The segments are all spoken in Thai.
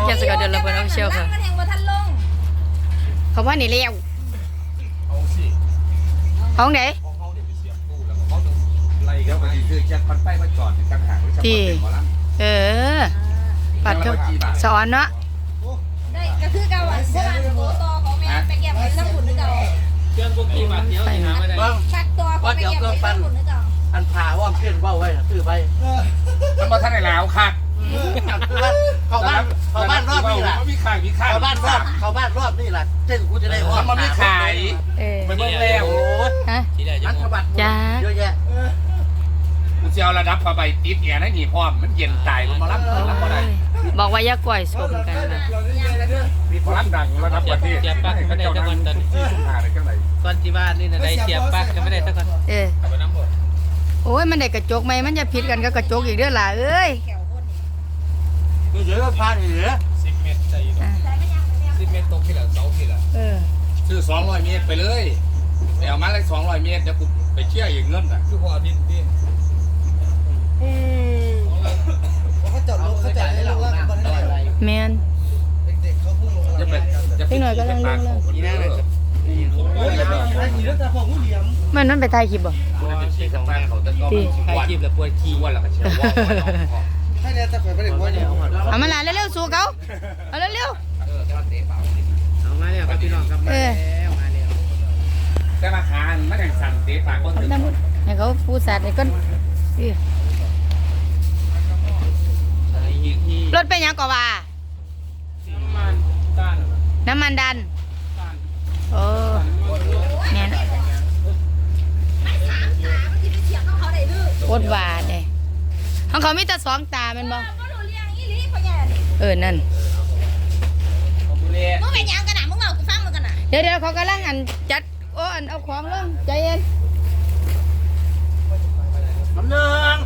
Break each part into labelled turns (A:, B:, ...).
A: แกสกัดเดินระเบิดเอาเชียวค่ะเขาว่านี่เลี้ยวห้องไหน
B: ไรก็ไปซื้อแจ็คพันไปมาจอดต่างหากที่
A: ปัดก็สอนเนาะ
C: ได้ก็คือเก่าอ่ะเพราะว่าตัวต่อของแม่ไปเก็บไว้น้ำหุ่นนึกเก่า
D: เครื่องพวกกี่บาทเดียวที่หาไม่ได้
C: ชักตัวของไปเก็บไว้น้ำหุ่นนึกเก่า
E: อันผ่าว่าเพื่อนว่าไว้ซื้อไป
B: มันมาท่านไหนแล้วค่ะ
E: เขาบ้านรอบนี่แหละ
B: มีขาย
E: เขาบ้านรอบนี่แหละเส้นกูจะได้
B: มันไม่ขายไปเบิ่งแล้ว
A: ฮะ
E: มันขบัดเยอะแยะ
B: กูจะเอาระดับผ้าใบติดแอร์ให้หนีพร้อมมันเย็นตายมันมารับก็ได้
A: บอกว่าอย่าก่อยสมกันนะ
B: มีพลังดังระดับประเทศ
D: เสียบปลั๊กไม่ได้สักวันตอนก่อนที่บ้านนี่นะได้เสียบปลั๊กก็ไม่ได้สักวัน
A: โอ้ยมันได้กระจกไหมมันจะผิดกันก็กระจกอีกเด้อล่ะเอ้ย
E: มีเยอะพาเหลือ
D: 10 เมตรใจ10 เมตรตกที่หลังเสาที่หลัง
B: ซื้อ200 เมตรไปเลยไปเอามาเลย200 เมตรเดี๋ยวกูไปเชี่ยอีกเงินอ่ะ
D: คือพออาทิตย์นี่
E: เขาจอดรถเขาจอดให้เรา
A: แมน
E: เด็กเขาพูด
B: จะเป็น
A: หน่อยก็ลังลงแล้วมันไปถ่ายคลิปบ่
B: ที่ทางบ้านเขาจะต้อง
D: ถ่ายคลิปแล้วปวดขี้
B: วันละก็เชื่อว่า
E: ให้เนี่ยจะคอยไปเด็กว่าเนี่ย
A: เอามาลาเร็วๆสู้เขาเอาเร็ว
D: เอามาเนี่ยพี่น้องครับมาแล้ว
B: แต่มาหาไม่ได้สั่งเตะปากคนอื่น
A: ให้เขาพูดสัตว์ให้ก้นรถเป็นยังก่อว่าน้ำมันดันโอ้เนี่ยโคตรหวานเลยของเขามีแต่2 ตาเป็นบ่นั่น
C: มึงเป็นยังกันนะมึงเอากูฟังมึงกันนะ
A: เดี๋ยวเขากำลังจัดเอาของลงใจเย็น
E: น้ำหนึ่ง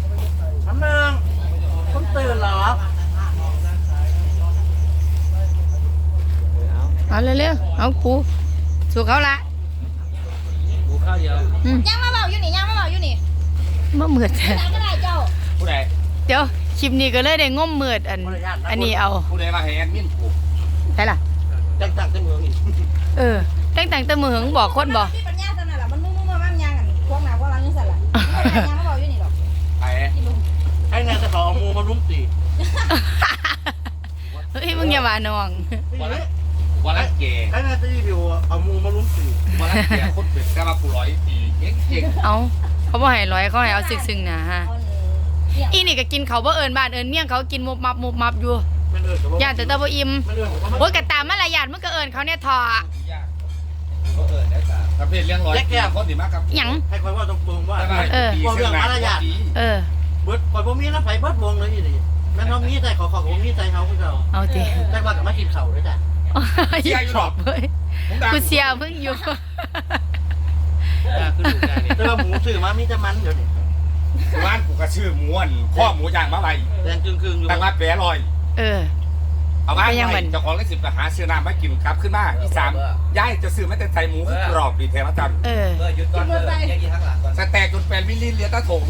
E: ผมตื่นหรอ
A: เอาเร็วๆเอาปูสู่เขาละ
D: ปูข้าวเดียว
C: ยังมาเบาอยู่นี่
A: บ่เหมือด
C: ก็ได้เจ้า
B: ผู้ใด
A: เดี๋ยวคลิปนี้ก็เลยได้ง่มเหมือดอันนี้เอา
B: ผู้ใดมาให้แอดมินผูก
A: ใช่ล่ะ
E: ตั้งแต่เมืองอีก
A: ตั้งแต่เมืองบอกคนบอก
C: ที่ปัญญาสนั่นแหละมันมุ่งมายังกันพวกหนาพวกเรายังสั่นละยังมาเบาอยู่นี่หรอก
E: ให้นายจะขอเอามูมาลุ้มตี
A: เฮ้ยมึงอย่าว่าน้อง
B: วันละเก๋
E: ให้นายจะรีวิวเอามูมาลุ้มตี
B: วันละเก๋คนเป็นกล้ามากู100 ปีเก่ง
A: เอาเขาบอกให้100เขาให้เอาซึ้งๆนะฮะอีนี่ก็กินเขาบ่เอิญบ้านเอิญเมี่ยงเขากินมุบมับอยู่ย่านแต่ตะบ่อิ่มโอ้ยกะตามมารยาทมึงก็เอิญเขาเนี่ยทอ
B: ประเภทเลี้ยง100คนดีมากครับ
A: หยัง
E: ให้คอยว่าตรงๆว่า
B: บอก
E: เรื่องมารยาทเบิดคอยบ่มีนะไฟเบิดวงเลยนี่แม่น้องมีใจขอผมมีใจเขาคือเรา
A: เอาสิ
E: แต่ว่ากับมากินเข่าด้วยจ้ะ
A: ชอบเว้ยกูเสียเพิ่งอยู่
E: แต่ว่าหมูซื้อมามีแต่มันเดี๋ยวนี้
B: ร้านกูก็ชื่อม้วนข้อหมูย่างมาใบ
E: แดงจึงอยู่
B: ตั้งมาแปรลอยเอามาเจ้าของเลข10ไปหาซื้อน้ำมากินกลับขึ้นมาที่3ย้ายจะซื้อมาแต่ไทยหมูกรอบดีแท้มาจัน
D: หยุดก่อน
B: สแต็กจนแปลนมิลลิเหลือตะถง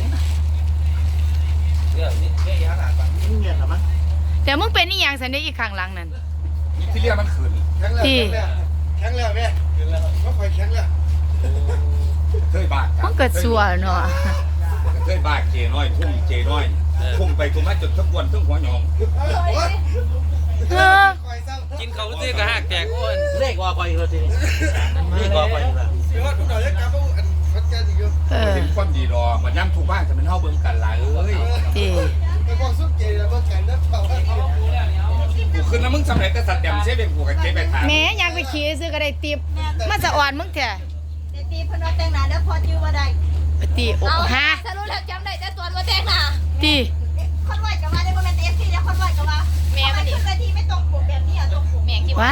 E: เนี่ยเหรอมั้ง
A: แต่มึงเป็นนี่ยังสันได้อีกข้างหลังนั่น
B: ที่เรียกมันขืน
A: ที่
E: แข็งแล้วแม่ก็คอยแข็งแล้ว
B: เคยบาด
A: มันเกิดสัวเนาะ
B: เคยบาดเจน้อยพุ่งเจน้อยพุ่งไปทุ่มมาจนทั้งวันทั้งหัวหยอง
D: กินเขาซื้อกระหักแตกอ้วน
E: เลขว่าคอยเลยทีเลขว่าคอยเลย
B: เห็นความดีรอมันย้ำถูกบ้านจะเป็นเท่าเบิ่งกันหลายกูขึ้นแล้วมึงสำเร็จแต่สัตว์แดมเสียเป็นกูกับเจ๊ไปถาม
A: แม่อยากไปขี่ซื้อก็ได้ติบมันจะอ่อนมึงแท้
C: ตีพนวแต่งหน้าเดี๋ยวพอจื้อมาได้
A: ตีโอ้ฮะ
C: สรุปแล้วจำได้แต่ตัวว่าแต่งหน้า
A: ตี
C: คนไหวกับว่าได้โมเมนต์FCแล้วคนไหวกับว่าแม่มันขึ้นทีไม่ตรงปกแบบนี้อ่ะตรงปกแม่คิดว่า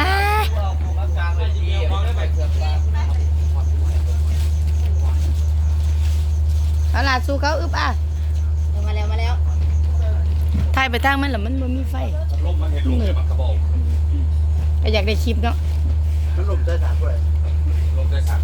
A: เอาล่ะสู้เขาอึบ
C: มาแล้ว
A: ถ่ายไปทางมันหรอมันไม่มีไฟ
B: ลมมันเห็นลมมันกระบอก
A: ก็อยากได้คลิปเนาะ
E: มันลมได้สามด้วย
B: ลมได้สาม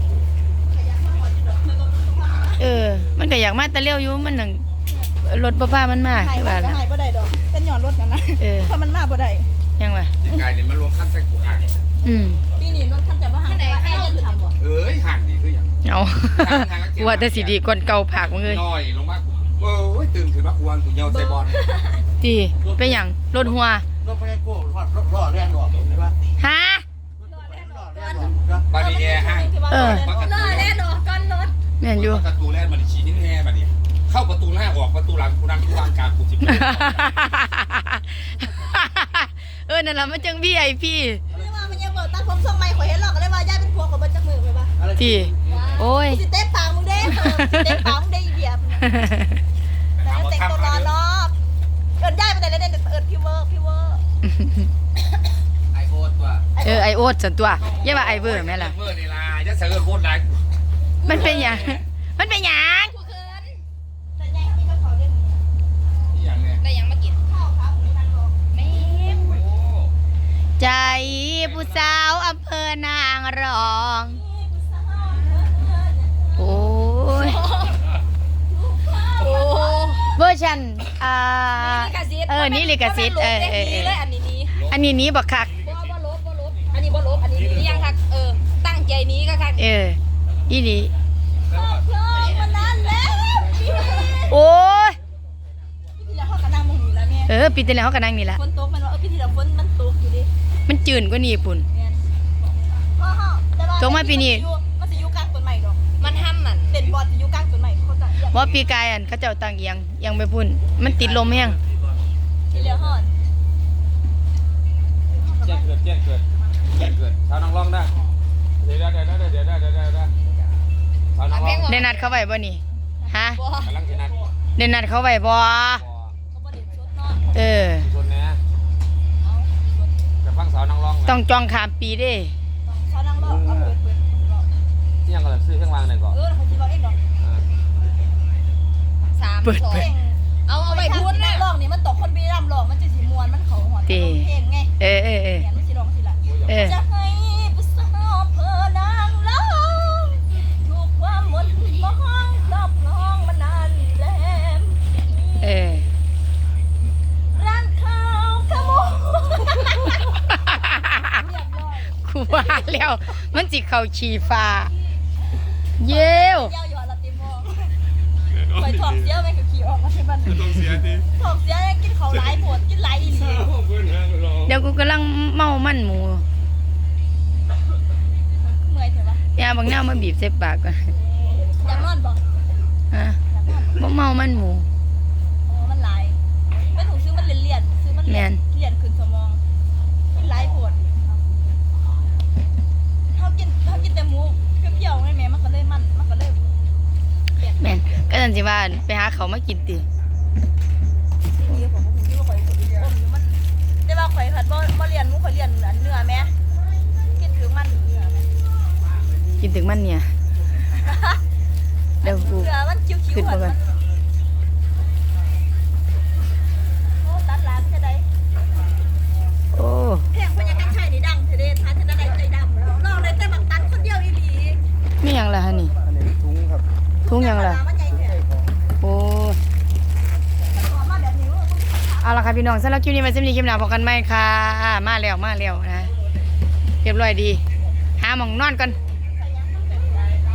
A: มันก็อยากมาแต่เลี้ยวอยู่มันหนังรถป้ามันมา
C: ใช่ป่ะหายบ่ได้ดอกเป็นหย่อนรถกันนะเพราะมันมาบ่ได้
A: ยังไง
B: อีกกายนี่มันรวมขั้นใส่กูห่าง
C: ปีนี้รถคันจะว่าหางว่าไอ้ยันทำบ่
B: เอ้ยห่างดีคืออย่าง
A: เอากูว่าแต่สิดีก่อนเก่าผักมึงเลย
B: น้อยลงมาโอ้ยตื่นขึ้นมากูวันกูเหี่ยวใจบอล
A: ดีเป็นหยังรถหัว
E: รถไฟโก้รถล้อแล่นออกเห็นป่ะ
A: ฮะ
E: ล้อแล่นออก
B: บาดีแอร์ห้าง
C: ล่อแล่นออกก้อนรถ
A: แม่นอยู่
B: ประตูแรกมันชี้นิ้วแห่บัดนี้เข้าประตูหน้าออกประตูหลังกูนั่งกูวางกลางกูจิบ
A: นั่นล่ะมันจัง VIP
C: ไม่ว่ามันยังเบิกตั้งผมทรงใหม่ข่อยเห็นหรอกก็เลยว่าย่าเป็นพวกของมันจักมือไปป่ะ
A: ที่โอ้ย
C: สิเต้ปากมึงเด้สิเต้ปากมึงเด้อีเดียบแต่แต่งตัวรอเนาะเอิ้นย่าไปแต่เล่นเอิ้นพี่เวอร์
B: ไอโอ๊ตว่ะ
A: ไอโอ๊ตส่วนตัวอย่าว่าไอเบอร์แม่ล่ะ
B: เบอร์นี่ล่ะจะเสือโคตรหลาย
A: มันเป็นหยังมันเป็นหยัง
C: แต่ยังมีก็ขอเล่น
B: นี่อย่างเนี้ย
C: ได้ยังมากินข้าวครับนั่งรอแม่
B: โอ้
A: ใจผู้สาวอำเภอนางรองโอ้ย
C: โอ้
A: เวอร์ชันนี่ลิขสิทธิ์อันนี้นี้บักคัก
C: บ่ลบอันนี้บ่ลบอันนี้ยังคักตั้งใจนี้ก็คัก
A: อีนี่
C: เพลยมันนานแล้ว
A: โอ้ย
C: พี่ที่แล้วเขากระนั่งมองอยู่แล้วแม่
A: ปีที่แล้วเขาก็นั่งนี่ละ
C: ฝนตกมันว่าพี่ที่แล้วฝนมันตกอยู่ดิ
A: มันจืดกว่านี้ปุ่น ตกมาปีนี้
C: มันจะอยู่กลางต้นใหม่ดอกมันห้ำมันเด่นบอลจะอยู่กลางต้นใหม่เขาจะ
A: ว่าปีกายเขาเจ้าต่างเอียงไปพุ่นมันติดลมแห้ง
C: ที่แล้วฮอด
D: แจ้งเกิดชาวน้องร้องได้เดี๋ยวชาวน้องร้อง
A: ได้นัดเขาไว้บ่นี่ฮะ
C: บ่
D: กำลังสินัด
A: ได้นัดเขาไว้บ่
C: เขาบ่ได้ชดเนาะ
D: ชนนะจะฟังสาวน้องร้อง
A: ต้องจองข้ามปีเด้
C: เขานั่งรอเอาเปิด
D: ที่ยังกำลังซื้อเครื่องวางหน่อยก่อน
C: เขาสิบอกเองดอก3 2เอาไปพูดนะร้องนี่มันตกคนบีรำร้องมันจะสิม่วนมันเขาหอนเพลงไง
A: เออ
C: เนี่ยมันสิร้องสิล่ะ จะให้ผู้สาวเพอนางร้องถูกความมนต์มองรอบคลองมานานแลมร้านข้าวขโมยเรียบร้อย
A: กูว่าแล้วมันสิเข้าชีฟ้าเย้ว
C: เย้าอยู่อะละติมองไปถอดเสียไปกับขี่ออกมาที่บ้าน
B: ต้องเสียดิ
C: ถอดเสียกินเขาหลายปวดกินหลายอีหลี
A: เดี๋ยวกูกำลังเมามันหมู
C: เมื่อยเถอะวะ
A: ยาบางหน้ามาบีบใส่ปากก่อน
C: อยากนอนบ่
A: ฮะบ่เมามันหมู
C: โอ้มันหลายไม่ถูกซื้อมันเลี่ยนซื้อมันเลี่ยนขึ้นสมองกินหลายปวดเขากินแต่หมูเปรี้ยวๆไงแม่มันก็เลยเปลี่ยน
A: แม่นก็จังสิว่าไปหาเขาวมากินติ
C: นี่ผมคิดว่าข่อยอมอยู่มันแต่ว่าข่อยผัดบ่เรียนหมูข่อยเรียนเนื้อแม่กินถึงมันเนื้อแม่
A: กินถึงมันเนี่ยเดี๋ยวกู
C: เนื้อมันคิ้ว
A: ขึ้น
C: ๆ
A: มา
C: หัน
A: ก่อ
C: มัน นโอ้ตัดร้านแค่ใด
A: โอ้
C: เพลงพญากัญชัยนี่ดังเทเดทานจะได้ใจดำแล้วร้องเลยแต่บางตันคนเดียวอีหลี
A: ไม่หยังล่ะฮะนี่
E: อันนี้ถุงครับ
A: ทุ่งหยังล่ะ
C: มันใหญ่แท้
A: โอ้
C: ขอมาแบบนี้ว่า
A: เอาละค่ะพี่น้องสำหรับคลิปนี้มาซิมนี้คลิปหน้าพบกันไหมค่ะมาแล้วนะเรียบร้อยดีหาหมองนอนก่อน